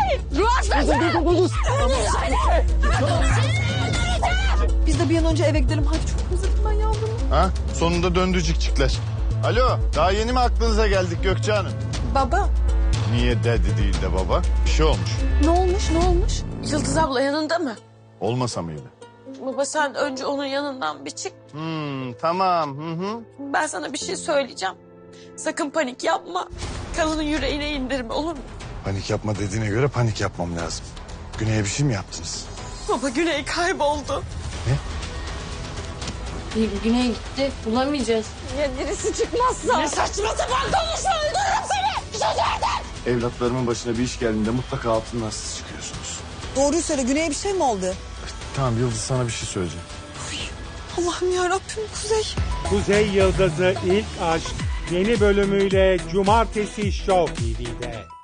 Biz de bir an önce eve gidelim. Hadi çok özledim ben yavrumu. Ha? Sonunda döndü cikcikler. Alo, daha yeni mi aklınıza geldik Gökçe Hanım? Baba. Niye dedi değil de baba? Bir şey olmuş. Ne olmuş ne olmuş? Yıldız abla yanında mı? Olmasa mıydı? Baba sen önce onun yanından bir çık. Tamam. Hı. Ben sana bir şey söyleyeceğim. Sakın panik yapma. Kadının yüreğine indirme olur mu? Panik yapma dediğine göre panik yapmam lazım. Güney'e bir şey mi yaptınız? Baba Güney kayboldu. Güney gitti. Bulamayacağız. Ya birisi çıkmazsa? Ne saçma sapan konuşma öldürürüm seni. Bir şey nereden? Evlatlarımın başına bir iş geldiğinde mutlaka altından siz çıkıyorsunuz. Doğruyu söyle, Güney'e bir şey mi oldu? Tamam Yıldız, sana bir şey söyleyeceğim. Allah'ım yarabbim, Kuzey. Kuzey Yıldızı İlk Aşk yeni bölümüyle Cumartesi Show TV'de.